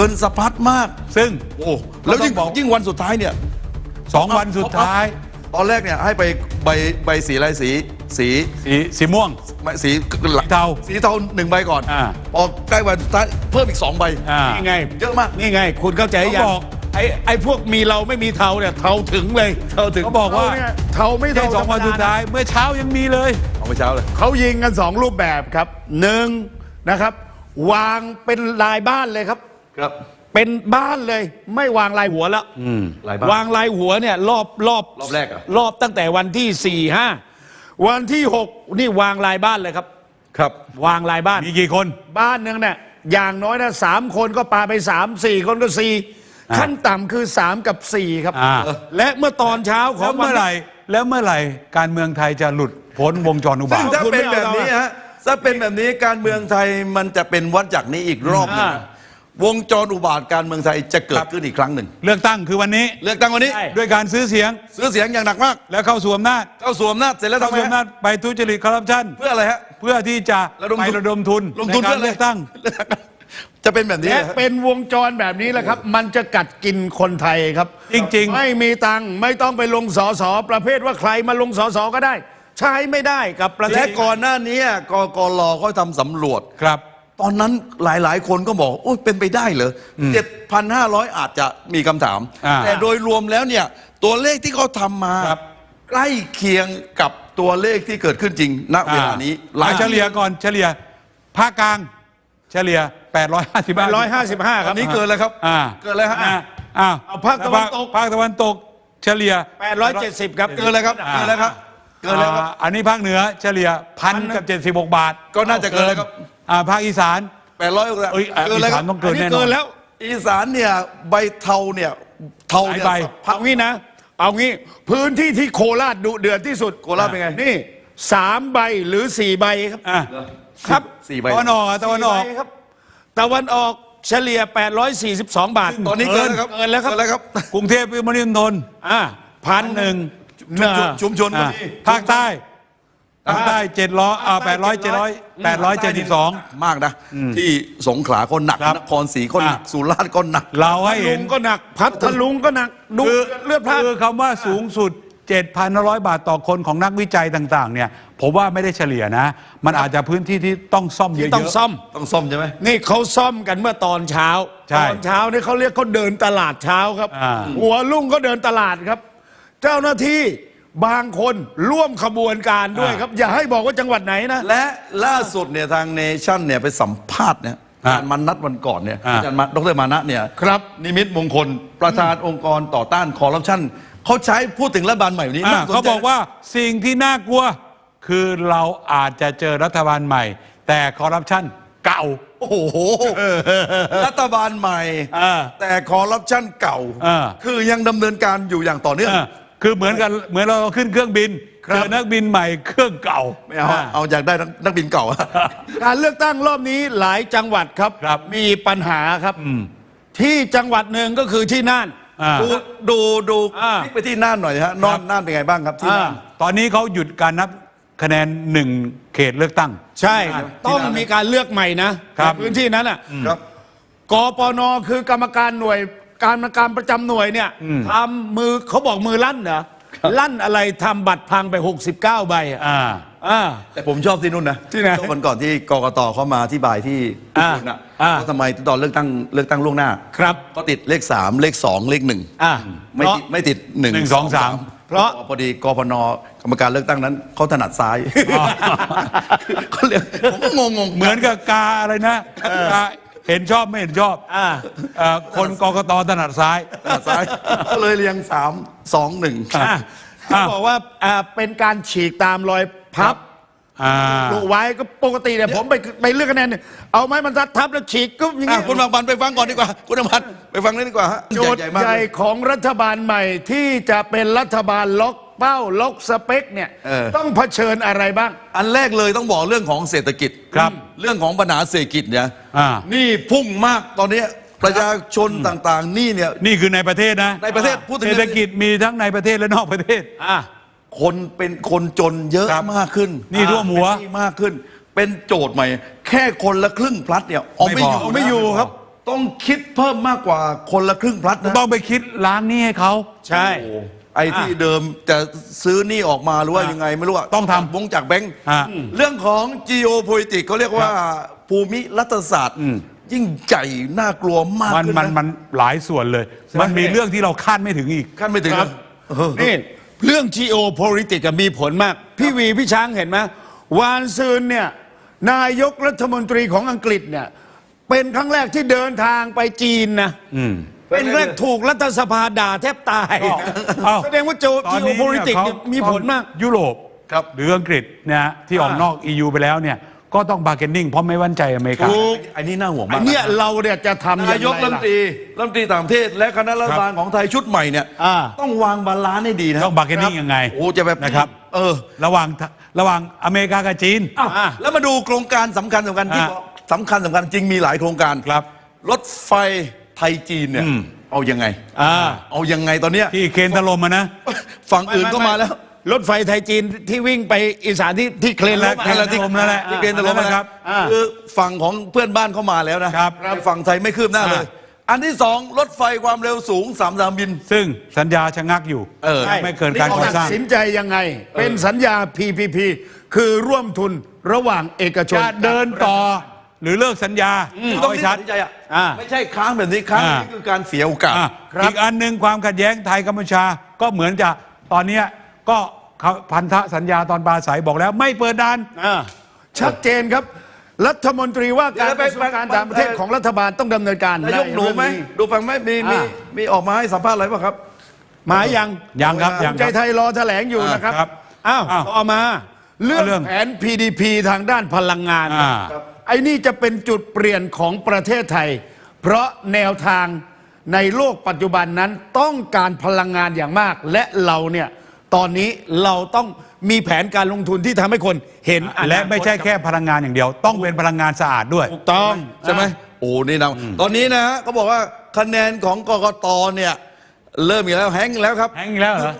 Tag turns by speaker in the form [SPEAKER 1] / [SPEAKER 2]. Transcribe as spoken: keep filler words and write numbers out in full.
[SPEAKER 1] งินสะพัดมาก
[SPEAKER 2] ซึ่ง
[SPEAKER 1] โอ้แล้วยิ่งยิ่งวันสุดท้ายเนี่ย
[SPEAKER 2] สองวันสุดท้าย
[SPEAKER 1] ตอนแรกเนี่ยให้ไปใบใบสีอะไรสีสี
[SPEAKER 2] สีสีม่วง
[SPEAKER 1] สี
[SPEAKER 2] เทา
[SPEAKER 1] สีเทาหนึ่งใบก่อนออกใกล้วันสุดท้ายเพิ่มอีกสองใบ
[SPEAKER 3] นี่ไง
[SPEAKER 1] เยอะมาก
[SPEAKER 3] นี่ไงคุณเข้าใจยังไอ้ไอ้พวกมีเราไม่มีเทาเนี่ยเทาถึงเลย
[SPEAKER 1] เทาถึง
[SPEAKER 2] เขาบอกว่า
[SPEAKER 3] เทาไม่เทา
[SPEAKER 2] สองวันสุดท้ายเมื่อเช้ายังมีเลย
[SPEAKER 1] เอาเมื่อเช้าเลย
[SPEAKER 3] เขายิงกันสองรูปแบบครับหนึ่งนะครับวางเป็นลายบ้านเลยครับ
[SPEAKER 1] ครับ
[SPEAKER 3] เป็นบ้านเลยไม่วางลายหัวแล้ววางลายหัวเนี่ยรอบรอบ
[SPEAKER 1] รอบแรกอะ
[SPEAKER 3] รอบตั้งแต่วันที่สี่ห้าวันที่หกนี่วางลายบ้านเลยครับ
[SPEAKER 1] ครับ
[SPEAKER 3] วางลายบ้าน
[SPEAKER 2] มีกี่คน
[SPEAKER 3] บ้านหนึ่งเนี่ยอย่างน้อยนะสามคนก็ปาไปสามสี่คนก็สี่ขั้นต่ำคือสามกับสี่ครับและเมื่อตอนเช้าของ
[SPEAKER 2] เมื่อไหร่แล้วเมื่อไหร่การเมืองไทยจะหลุดพ้นวงจรอุบาท
[SPEAKER 1] ถ้าเป็นแบบนี้ฮะถ้าเป็นแบบนี้การเมืองไทยมันจะเป็นวัฏจักรนี้อีกรอบนึงวงจรอุบาทการเมืองไทยจะเกิดขึ้นอีกครั้งหนึ่ง
[SPEAKER 2] เลือกตั้งคือวันนี้
[SPEAKER 1] เลือกตั้งวันนี้
[SPEAKER 2] ด้วยการซื้อเสียง
[SPEAKER 1] ซื้อเสียงอย่างหนักมาก
[SPEAKER 2] แล้วเข้าสู่อำนาจ
[SPEAKER 1] เข้าสู่อำนาจเสร็จแล้วทำไม
[SPEAKER 2] อำนาจไปทุจริตคอร์รัปชัน
[SPEAKER 1] เพื่ออะไรฮะ
[SPEAKER 2] เพื่อที่จะไประดมทุน
[SPEAKER 1] ลงทุนเพื่อ
[SPEAKER 2] เลือกตั้ง
[SPEAKER 1] จะเป็นแบบนี้
[SPEAKER 3] เป็นวงจรแบบนี้แหละครับมันจะกัดกินคนไทยครับ
[SPEAKER 2] จริง
[SPEAKER 3] ๆไม่มีตังค์ไม่ต้องไปลงสอสอประเภทว่าใครมาลงสอสอก็ได้ใช้ไม่ได้กับประเทศ
[SPEAKER 1] และก่อนหน้านี้กกลเขาทำสำรวจ
[SPEAKER 2] ครับ
[SPEAKER 1] ตอนนั้นหลายๆคนก็บอกโอ้เป็นไปได้เหรอเจ็ดพันห้าร้อยอาจจะมีคำถามแต่โดยรวมแล้วเนี่ยตัวเลขที่เขาทำมาใกล้เคียงกับตัวเลขที่เกิดขึ้นจริงณเวลานี้
[SPEAKER 2] หลายเฉลี่ยก่อนเฉลี่ยภาคกลางเฉลี่ยแปดร้อยห้าสิบห้า
[SPEAKER 3] แปดร้อยห้าสิบห้าครับ
[SPEAKER 1] นี้เกินแล้วครับเกินแล้วฮะ
[SPEAKER 2] อ้าว
[SPEAKER 3] ภาคตะวันตก
[SPEAKER 2] ภาคตะวันตกเฉลี่ย
[SPEAKER 3] แปดร้อยเจ็ดสิบครับ
[SPEAKER 1] เกินแล้วครับเกินแล้วครับ
[SPEAKER 2] เกินแล้วครับอันนี้ภาคเหนือเฉลี่ยพันกับเจ็ดสิบหกบาท
[SPEAKER 1] ก็น่าจะเกินแล้วครับ
[SPEAKER 2] ภาคอีสาน
[SPEAKER 1] แปดร้อย
[SPEAKER 2] เกินแล้วต้องเกินแน่นอน
[SPEAKER 3] แล้ว
[SPEAKER 1] อีสานเนี่ยใบเทาเนี่ยเทาเนี่ย
[SPEAKER 3] เอางี้นะเอางี้พื้นที่ที่โคราชดุเดือดที่สุด
[SPEAKER 1] โคราชเป็นไง
[SPEAKER 3] นี่สามใบหรือสี่ใบครับครับ
[SPEAKER 1] สี่ใบ
[SPEAKER 2] ตะวันออกตะวันออก
[SPEAKER 3] ครับตะวันออกเฉลี่ยแปดร้อยสี่สิบสองบาท
[SPEAKER 1] ตอนนี้เกินแล้วครับ
[SPEAKER 3] เกินแล้วครับ
[SPEAKER 2] กรุงเทพปริมณฑล
[SPEAKER 3] อ่าพันหนึ่ง
[SPEAKER 1] ชุมชน
[SPEAKER 2] ภาคใต้ภาคใต้เจ็ดร้อยอ่าแปดร้อยเจ็ดร้อยแปดร้อยเจ็ดสิบสอง
[SPEAKER 1] มากนะที่สงขลาก็หนักนครศรีก็หนักสุราษฎร์ก็หนัก
[SPEAKER 2] เราให้เห็น
[SPEAKER 3] ก็หนักพัทลุงก็หนักดูเลือดพลาด
[SPEAKER 2] คือคำว่าสูงสุด เจ็ดพันห้าร้อย บาทต่อคนของนักวิจัยต่างๆเนี่ยผมว่าไม่ได้เฉลี่ยนะมันอาจจะพื้นที่ที่ต้องซ่อมเยอะๆ
[SPEAKER 3] ต้องซ่อม
[SPEAKER 1] ต้องซ่อมใช่ไหม
[SPEAKER 3] นี่เขาซ่อมกันเมื่อตอนเช้าตอนเช้านี่เขาเรียกเขาเดินตลาดเช้าครับหัวลุ่งก็เดินตลาดครับเจ้าหน้าที่บางคนร่วมขบวนการด้วยครับอย่าให้บอกว่าจังหวัดไหนนะ
[SPEAKER 1] และล่าสุดเนี่ยทางเนชั่นเนี่ยไปสัมภาษณ์เนี่ยอาจารย์มานัทวันก่อนเนี่ยอาจารย์ดรมานะเนี่ย
[SPEAKER 3] ครับ
[SPEAKER 1] นิมิตมงคลประธานองค์กรต่อต้านคอร์รัปชันเขาใช้พูดถึงรัฐบาลใหม่นี้
[SPEAKER 2] เขาบอกว่าสิ่งที่น่ากลัวคือเราอาจจะเจอรัฐบาลใหม่แต่คอร์รัปชันเก่า
[SPEAKER 1] โอ้โหรัฐบาลใหม่แต่คอร์รัปชันเก่าคือยังดำเนินการอยู่อย่างต่อเนื่อง
[SPEAKER 2] คือเหมือนกันเหมือนเราขึ้นเครื่องบินเจอนักบินใหม่เครื่องเก่า
[SPEAKER 1] ไม่เอาเอาอยากได้นักบินเก่า
[SPEAKER 3] การเลือกตั้งรอบนี้หลายจังหวัดครับมีปัญหาครับที่จังหวัดหนึ่งก็คือที่น่าน
[SPEAKER 1] ดูดูดูคลิกไปที่น่านหน่อยฮะน่านน่านเป็นไงบ้างครับที่น่าน
[SPEAKER 2] ตอนนี้เขาหยุดการนับคะแนนหนึ่งเขตเลือกตั้ง
[SPEAKER 3] ใช่ต้องมีการเลือกใหม่นะพื้นที่นั้นอ่ะกปนคือกรรมการหน่วยการการประจำหน่วยเนี่ยทำมือเขาบอกมือลั่นเหรอลั่นอะไรทำบัตรพังไปหกสิบเก้าใบอ่า
[SPEAKER 1] อ่าแต่ผมชอบที่นู่นนะ
[SPEAKER 3] ที่ไหน
[SPEAKER 1] วันก่อนที่กกตเขามาที่บายที่ญี่ปุ่นอ่ะว่าทำไมตอนเลือกตั้งเลือกตั้งล่วงหน้า
[SPEAKER 3] ครับ
[SPEAKER 1] ก็ติดเลขสามเลขสองเลขหนึ่งอ่าไม่ติดไม่ติดหนึ่ง
[SPEAKER 2] สองสาม
[SPEAKER 1] เพราะพอดีกพนกรรมการเลือกตั้งนั้นเขาถนัดซ้ายเขาเรียกผมก็งงง
[SPEAKER 2] เหมือนกับกาอะไรนะกาเห็นชอบไม่เห็นชอบคนกกตถนัดซ้าย
[SPEAKER 1] ถนัดซ้ายก็เลยเรียงสามสองหนึ่ง
[SPEAKER 3] เขาบอกว่าเป็นการฉีกตามรอยพับลูกไว้ก็ปกติเนี่ยผมไปไปเลือกคะแนนเอาไม้บรรทัดทับแล้วฉีกก็อย่างนี้
[SPEAKER 1] คุณบางบันไปฟังก่อนดีกว่าคุณบางบันไปฟังนี่ดีกว่า
[SPEAKER 3] โจทย์ใหญ่ของรัฐบาลใหม่ที่จะเป็นรัฐบาลล็อกเป้าล็อกสเปคเนี่ยต้องเผชิญอะไรบ้าง
[SPEAKER 1] อันแรกเลยต้องบอกเรื่องของเศรษฐกิจ
[SPEAKER 2] ครับ
[SPEAKER 1] เรื่องของปัญหาเศรษฐกิจเนี่ยนี่พุ่งมากตอนนี้ประชาชนต่างๆนี่เนี่ย
[SPEAKER 2] นี่คือในประเทศนะ
[SPEAKER 1] ในประเทศพูดถึง
[SPEAKER 2] เศรษฐกิจมีทั้งในประเทศและนอกประเทศ
[SPEAKER 1] อ่ะคนเป็นคนจนเยอะมากขึ้น
[SPEAKER 2] นี่ท่วมหัว
[SPEAKER 1] มากขึ้นเป็นโจทย์ใหม่แค่คนละครึ่งพลัดเนี่ยเอาไม่อยู่
[SPEAKER 3] ไม่อยู่ครับ
[SPEAKER 1] ต้องคิดเพิ่มมากกว่าคนละครึ่งพลัดนะ
[SPEAKER 2] ต้องไปคิดล้างหนี้ให้เขา
[SPEAKER 3] ใช่
[SPEAKER 1] โอ้ไอ้ที่เดิมจะซื้อหนี้ออกมาหรือว่ายังไงไม่รู้อะ
[SPEAKER 2] ต้องทำ
[SPEAKER 1] วงจากแบงค์
[SPEAKER 2] ฮะ
[SPEAKER 1] เรื่องของ geopolitics เขาเรียกว่าภูมิรัฐศาสตร์ ยิ่งใหญ่น่ากลัวมาก
[SPEAKER 2] มัน
[SPEAKER 1] ขึ้น
[SPEAKER 2] มัน
[SPEAKER 1] นะ
[SPEAKER 2] มันหลายส่วนเลย มันมีเรื่องที่เราคาดไม่ถึงอีก
[SPEAKER 1] ขั้นไม่ถึง
[SPEAKER 3] ค
[SPEAKER 1] ค
[SPEAKER 3] รั
[SPEAKER 1] รั
[SPEAKER 3] บบ นี่เรื่อง geopolitics อะมีผลมาก พี่วีพี่ช้างเห็นไหมวานซืนเนี่ยนายกรัฐมนตรีของอังกฤษเนี่ยเป็นครั้งแรกที่เดินทางไปจีนนะ
[SPEAKER 2] อืม
[SPEAKER 3] เป็นแรกถูกรัฐสภาด่าแทบตาย
[SPEAKER 2] อ้าว
[SPEAKER 3] แสดงว่าโจ
[SPEAKER 2] ตอนนี้เนี่ย
[SPEAKER 3] geopolitics
[SPEAKER 2] เขา
[SPEAKER 3] เนี่ยมีผลมาก
[SPEAKER 2] ยุโรป
[SPEAKER 1] ครับ
[SPEAKER 2] หรืออังกฤษเนะที่ออก
[SPEAKER 3] อ่าน
[SPEAKER 2] อก อี ยู ไปแล้วเนี่ยก็ต้องบาร์เกนนิ่งเพราะไม่มั่นใจอเมริกา
[SPEAKER 3] ถูก
[SPEAKER 1] อันนี้น่าห่วง
[SPEAKER 3] อั
[SPEAKER 1] มาก
[SPEAKER 3] นเนี้ยเราเนี่ยจะทำยังไง
[SPEAKER 1] นายกรัฐม
[SPEAKER 3] ล่ะ
[SPEAKER 1] นตรีรัฐมนตรีต่างประเทศและคณะรัฐบาลของไทยชุดใหม่เนี่ย
[SPEAKER 3] อ่า
[SPEAKER 1] ต้องวางบาลานซ์ให้ดีนะ
[SPEAKER 2] ต้อง bargaining ยังไง
[SPEAKER 1] โอ้จะแบบ
[SPEAKER 2] นะครับ
[SPEAKER 1] เออ
[SPEAKER 2] ระหว่างระหว่างอเมริกากับจีน
[SPEAKER 1] อ้าว
[SPEAKER 3] อ่ะ
[SPEAKER 1] แล้วมาดูโครงการสำคัญสำคัญที่
[SPEAKER 2] อ่ะ
[SPEAKER 1] บอกสำคัญสำคัญจริงมีหลายโครงการ
[SPEAKER 2] ครับ
[SPEAKER 1] รถไฟไทยจีนเนี่ย
[SPEAKER 2] อืม
[SPEAKER 1] เอายังไง
[SPEAKER 3] อ่า
[SPEAKER 1] เอายังไงตอนเนี้ย
[SPEAKER 2] ที่เคนตะลมมานะ
[SPEAKER 1] ฝั่งอื่นก็มาแล้ว
[SPEAKER 3] รถไฟไทยจีนที่วิ่งไปอีสานที่ที่เคลน
[SPEAKER 2] นั่นแหละ
[SPEAKER 3] ล้ม
[SPEAKER 2] เคลน
[SPEAKER 3] อะ
[SPEAKER 2] ถล่มนั่นแหละ
[SPEAKER 1] ที่เกณฑ์ตะลม
[SPEAKER 2] นั่นแหละ
[SPEAKER 1] นะ
[SPEAKER 2] ค
[SPEAKER 1] ค
[SPEAKER 2] รั
[SPEAKER 1] รับ บ
[SPEAKER 3] อ่า
[SPEAKER 1] คือฝั่งของเพื่อนบ้านเข้ามาแล้วนะครับ ฝั่งไทยไม่คืบหน้าเลย อันที่สองรถไฟความเร็วสูงสามสนามบิน
[SPEAKER 2] ซึ่งสัญญาชะงักอยู่
[SPEAKER 1] เออ
[SPEAKER 2] ไม่เกินการก่อ
[SPEAKER 3] ตัด
[SPEAKER 2] สร้าง
[SPEAKER 3] สินใจยังไง เป็นสัญญา พี พี พี คือร่วมทุนระหว่างเอกชน
[SPEAKER 2] จะเดินต่อหรือเลิกสัญญา
[SPEAKER 1] ต้อ
[SPEAKER 2] เอา
[SPEAKER 1] ง
[SPEAKER 2] ให้
[SPEAKER 1] ตั
[SPEAKER 2] ชัด
[SPEAKER 1] ดสินใจอ่ะ
[SPEAKER 3] อ่า
[SPEAKER 1] ไม่ใช่ค้างแบบนี้ค้าง
[SPEAKER 2] อ่า
[SPEAKER 1] นี่คือการเสียโอกาส
[SPEAKER 2] อ่ะอีกอันหนึ่งความขัดแย้งไทยกัมพูชาก็เหมือนจะตอนเนี้ยก็เขาพันธสัญญาตอนปราศัยบอกแล้วไม่เปิดด่าน
[SPEAKER 3] อ่าชัดเจนครับ รัฐมนตรีว่าการ
[SPEAKER 1] เดี๋ยว
[SPEAKER 3] ก
[SPEAKER 1] ไป
[SPEAKER 3] ระทรวงการต่างประเทศของรัฐบาลต้องดำเนินการ
[SPEAKER 1] นายกหนูไหม
[SPEAKER 3] ใเรื่อง
[SPEAKER 1] ดูฟังไหมมีมี
[SPEAKER 3] อ่า
[SPEAKER 1] มีออกมาให้สัมภาษณ์อะไรป่ะครับ
[SPEAKER 3] หมายยัง
[SPEAKER 2] ยังครับ
[SPEAKER 1] ภู
[SPEAKER 2] ยัง
[SPEAKER 3] ภูมิ
[SPEAKER 2] ค
[SPEAKER 3] ใจ
[SPEAKER 2] รับ
[SPEAKER 3] ไทยรอแถลงอยู่นะครับ
[SPEAKER 2] ครับ
[SPEAKER 3] อ้าว
[SPEAKER 2] อ้าว
[SPEAKER 3] ต่อมา เรื่อง
[SPEAKER 2] เรื่อง
[SPEAKER 3] แผน พี ดี พี ทางด้านพลังงาน
[SPEAKER 2] อ่า
[SPEAKER 3] ครับไอ้นี่จะเป็นจุดเปลี่ยนของประเทศไทย เพราะแนวทางในโลกปัจจุบันนั้นต้องการพลังงานอย่างมาก และเราเนี่ยตอนนี้เราต้องมีแผนการลงทุนที่ทำให้คนเห็นอนาคต
[SPEAKER 2] และไม่ใช่แค่พลังงานอย่างเดียว ต้องเป็นพลังงานสะอาดด้วย
[SPEAKER 3] ถูกต้อง
[SPEAKER 1] ใช่ไหมโอ้นี่นะตอนนี้นะเขาบอกว่าคะแนนของกกตเนี่ย เริ่มอีกแล้วแฮงก์แล้วครับ
[SPEAKER 2] แห้งอีกแล้วเหรอ